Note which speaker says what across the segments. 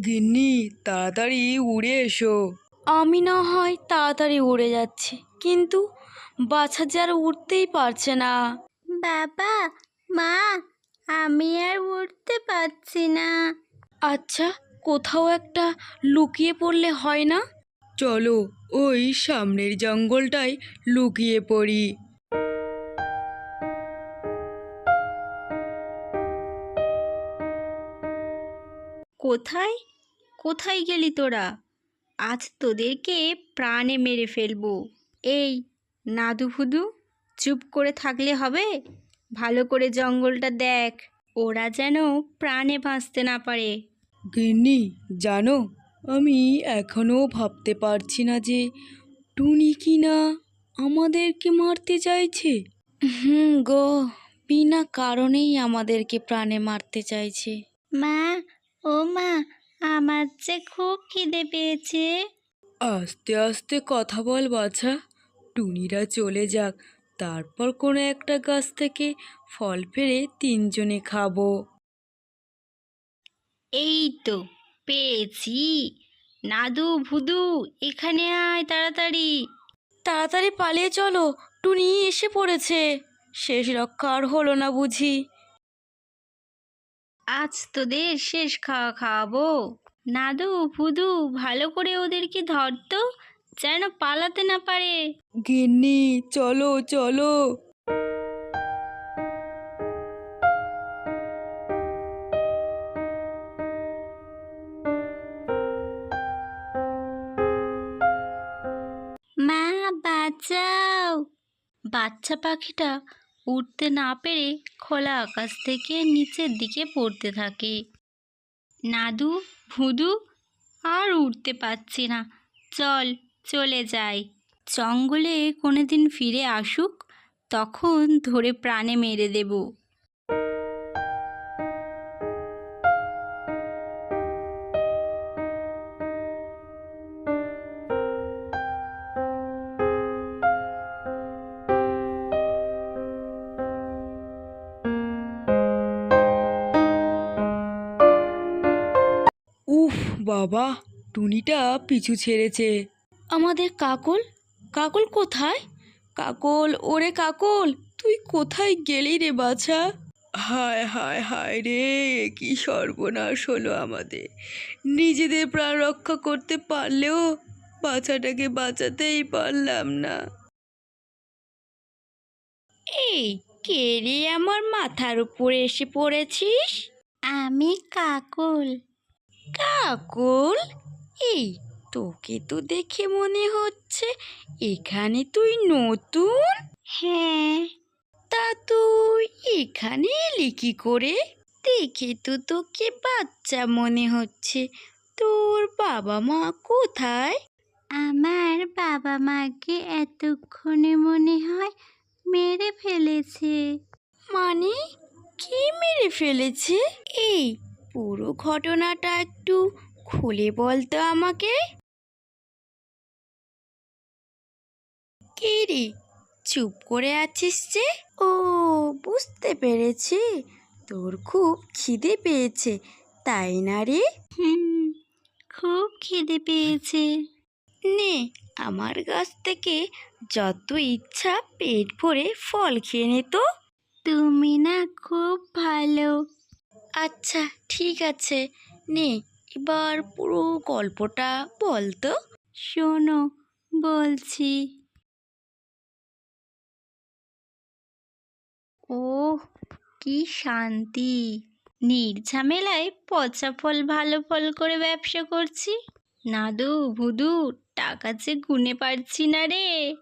Speaker 1: গিন্নি, তাড়াতাড়ি উড়ে এসো।
Speaker 2: আমি না হয় তাড়াতাড়ি উড়ে যাচ্ছি, কিন্তু বাছা যে আর উঠতেই পারছে না।
Speaker 3: বাবা, মা, আমি আর উঠতে পারছি না।
Speaker 2: আচ্ছা, কোথাও একটা লুকিয়ে পড়লে হয় না?
Speaker 1: চলো ওই সামনের জঙ্গলটায় লুকিয়ে পড়ি।
Speaker 3: কোথায় কোথায় গেলি তোরা? আজ তোদেরকে প্রাণে মেরে ফেলবো। এই নাদু ফুদু, চুপ করে থাকলে হবে? ভালো করে জঙ্গলটা দেখ, ওরা যেন প্রাণে বাঁচতে না পারে।
Speaker 1: গিন্নি, জানো, আমি এখনো ভাবতে পারছি না যে টুনি কি না আমাদেরকে মারতে চাইছে।
Speaker 2: গো, বিনা কারণেই আমাদেরকে প্রাণে মারতে চাইছে।
Speaker 3: মা, ও মা, আমার যে খুব খিদে পেয়েছে।
Speaker 1: আস্তে আস্তে কথা বল বাছা, টুনিরা চলে যাক, তারপর কোনো একটা গাছ থেকে ফল পেড়ে তিনজনে খাবো।
Speaker 3: এই তো পেয়েছি। নাদু ভুদু, এখানে আয় তাড়াতাড়ি।
Speaker 2: তাড়াতাড়ি পালিয়ে চলো, টুনি এসে পড়েছে। শেষ রক্ষা আর হলো না বুঝি?
Speaker 3: আজ তোদের শেষ খাওয়া খাওয়াবো। নাদু ভুদু, ভালো করে ওদেরকে ধরতো, যেন পালাতে না পারে।
Speaker 1: গিন্নি, চলো চলো।
Speaker 3: মা, বাঁচাও। বাচ্চা পাখিটা উঠতে না পেরে খোলা আকাশ থেকে নিচের দিকে পড়তে থাকে। নাদু ভুদু, আর উঠতে পারছি না, চল চলে যাই। জঙ্গলে কোনোদিন ফিরে আসুক, তখন ধরে প্রাণে মেরে দেব।
Speaker 1: উফ বাবা, টুনিটা পিছু ছেড়েছে।
Speaker 2: আমাদের কাকল, কাকল কোথায়? কাকল, ওরে কাকল, তুই কোথায় গেলি রে বাছা?
Speaker 1: হায় হায় হায় রে, কি সর্বনাশ হলো আমাদের। নিজেদের প্রাণ রক্ষা করতে পারলেও বাচ্চাটাকে বাঁচাতেই পারলাম না।
Speaker 2: এই, কে রে আমার মাথার উপরে এসে পড়েছিস?
Speaker 3: আমি কাকল।
Speaker 2: কাকল? এই, তোকে তো দেখে মনে হচ্ছে এখানে তুই নতুন।
Speaker 3: হ্যাঁ।
Speaker 2: তা তুই এখানে এলি কি করে? দেখে তো তোকে বাচ্চা মনে হচ্ছে। তোর বাবা মা কোথায়?
Speaker 3: আমার বাবা মাকে এতক্ষণে মনে হয় মেরে ফেলেছে।
Speaker 2: মানে, কি মেরে ফেলেছে? এই, পুরো ঘটনাটা একটু খুলে বল তো আমাকে। কে রে, চুপ করে আছিস যে? ও, বুঝতে পেরেছি, তোর খুব খিদে পেয়েছে, তাই না রে?
Speaker 3: হুম, খুব খিদে পেয়েছে।
Speaker 2: নে, আমার গাছ থেকে যত ইচ্ছা পেট ভরে ফল খেয়ে নে তো।
Speaker 3: তুমি না খুব ভালো।
Speaker 2: আচ্ছা, ঠিক আছে, নে, এবার পুরো গল্পটা বল তো।
Speaker 3: শোনো, বলছি। ওহ, কি শান্তি! নির্ঝামেলায় পচা ফল ভালো ফল করে ব্যবসা করছি। নাদু ভুদু, টাকা যে গুনে পারছি না রে।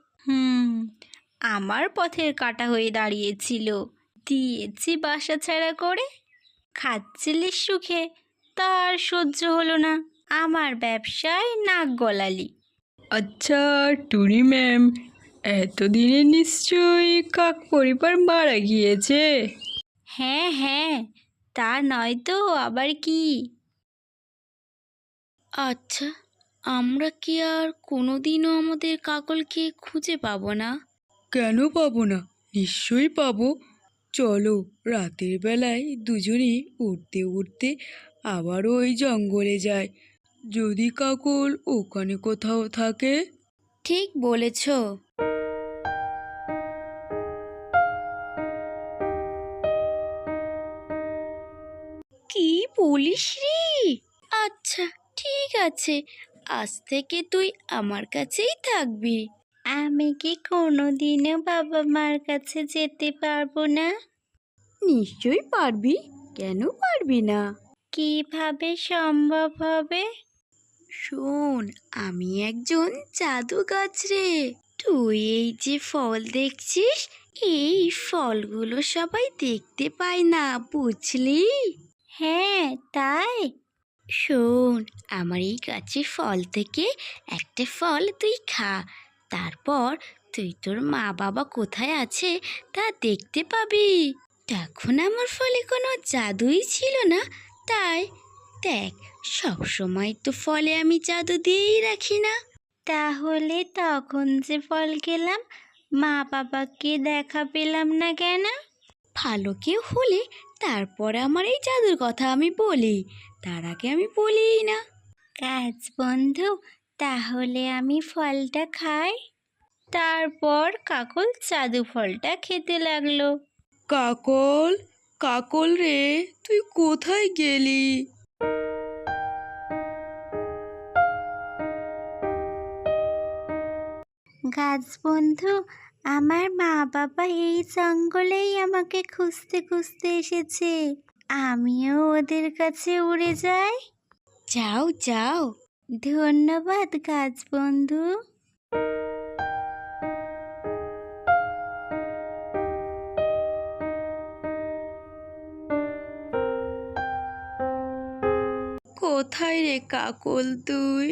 Speaker 3: আমার পথের কাঁটা হয়ে দাঁড়িয়েছিল, দিয়েছি বাসা ছাড়া করে। খাচ্ছিলি সুখে, তার সহ্য হলো না, আমার ব্যবসায় নাক গলালি।
Speaker 1: আচ্ছা টুনি ম্যাম, এতদিনে নিশ্চয়ই কাক পরিবার মারা গিয়েছে।
Speaker 3: হ্যাঁ হ্যাঁ, তা নয় তো আবার কি।
Speaker 2: আচ্ছা, আমরা কি আর কোনোদিনও আমাদের কাকলকে খুঁজে পাবো না?
Speaker 1: কেন পাবো না? নিশ্চয়ই পাবো। চলো রাতের বেলায় দুজনেই উঠতে উঠতে আবারও ওই জঙ্গলে যায়। যদি কাকল ওখানে কোথাও থাকে।
Speaker 2: ঠিক বলেছ। কি বলিস রে? আচ্ছা, ঠিক আছে, আজ থেকে তুই আমার কাছেই থাকবি।
Speaker 3: আমি কি কোনোদিনও বাবা মার কাছে যেতে পারবো না?
Speaker 2: নিশ্চয়ই পারবি, কেন পারবি না?
Speaker 3: কিভাবে সম্ভব হবে?
Speaker 2: শোন, আমি একজন জাদু গাছ রে। তুই এই যে ফল দেখছিস, এই ফলগুলো সবাই দেখতে পায় না, বুঝলি?
Speaker 3: হ্যাঁ, তাই?
Speaker 2: শোন, আমার এই গাছের ফল থেকে একটা ফল তুই খা। তারপর তুই তোর মা বাবা কোথায় আছে তা দেখতে পাবি। তখন আমার ফলে কোনো জাদুই ছিল না, তাই দেখ, সব সময় তো ফলে আমি জাদু দিয়েই রাখি না।
Speaker 3: তাহলে তখন যে ফল খেলাম, মা বাবাকে দেখা পেলাম না কেন?
Speaker 2: ভালো কেউ হলে তারপর আমার এই জাদুর কথা আমি বলি, তার আগে আমি বলিই না।
Speaker 3: গাছ বন্ধু, তাহলে আমি ফলটা খাই। তারপর কাকল জাদু ফলটা খেতে লাগলো।
Speaker 1: কাকল, কাকল রে, তুই কোথায় গেলি?
Speaker 3: গাছ বন্ধু, আমার মা বাবা এই জঙ্গলেই আমাকে খুঁজতে খুঁজতে এসেছে। আমিও ওদের কাছে উড়ে যাই।
Speaker 2: যাও যাও।
Speaker 3: ধন্যবাদ গাছ বন্ধু।
Speaker 1: কোথায় রে কাকল তুই?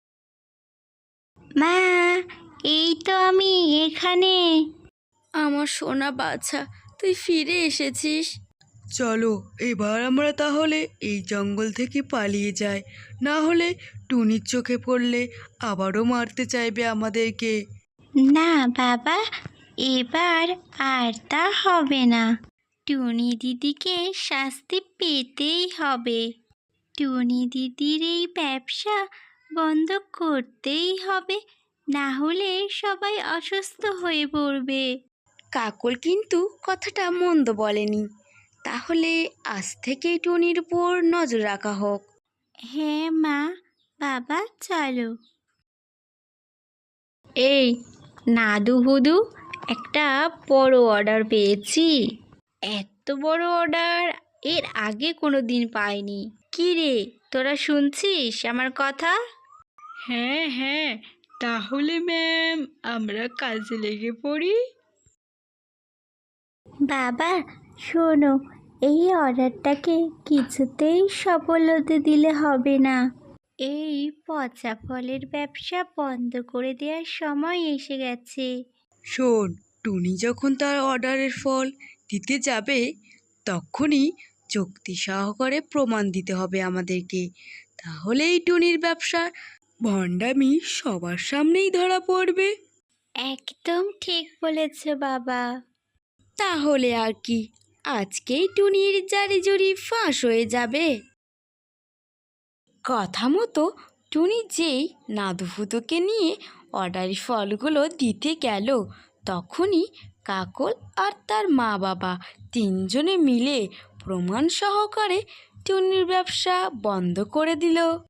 Speaker 3: মা, এই তো আমি এখানে।
Speaker 2: আমার সোনা বাছা, তুই ফিরে এসেছিস।
Speaker 1: চলো এবার আমরা তাহলে এই জঙ্গল থেকে পালিয়ে যাই, না হলে টুনির চোখে পড়লে আবারও মারতে চাইবে আমাদেরকে।
Speaker 3: না বাবা, এবার আর তা হবে না। টুনি দিদিকে শাস্তি পেতেই হবে। টুনি দিদির এই ব্যবসা বন্ধ করতেই হবে, না হলে সবাই অসুস্থ হয়ে পড়বে।
Speaker 2: কাকল কিন্তু কথাটা মন্দ বলেনি। তাহলে আজ থেকেই টুনির উপর নজর রাখা হোক।
Speaker 3: হ্যাঁ মা, বাবা চলো।
Speaker 4: এই নাদু হুদু, একটা বড় অর্ডার পেয়েছি। এত বড় অর্ডার এর আগে কোনো দিন পাইনি। কি রে, তোরা শুনছিস আমার কথা?
Speaker 1: হ্যাঁ হ্যাঁ, তাহলে ম্যাম আমরা কাজে লেগে পড়ি।
Speaker 3: বাবা শোনো, এই অর্ডারটাকে কিছুতেই সফল হতে দিলে হবে না। এই পচা ফলের ব্যবসা বন্ধ করে দেওয়ার সময় এসে গেছে।
Speaker 1: শোন, টুনি যখন তার অর্ডারের ফল দিতে যাবে তখনই যুক্তি সহকারে প্রমাণ দিতে হবে আমাদেরকে। তাহলেই টুনির ব্যবসা ভণ্ডামি সবার সামনেই ধরা পড়বে।
Speaker 3: একদম ঠিক বলেছ বাবা।
Speaker 2: তাহলে আর কি, আজকেই টুনির জারিজুরি ফাঁস হয়ে যাবে। কথা মতো টুনি যেই নাদুফুদুকে নিয়ে অর্ডারি ফলগুলো দিতে গেল, তখনই কাকল আর তার মা বাবা তিনজনে মিলে প্রমাণ সহকারে টুনির ব্যবসা বন্ধ করে দিল।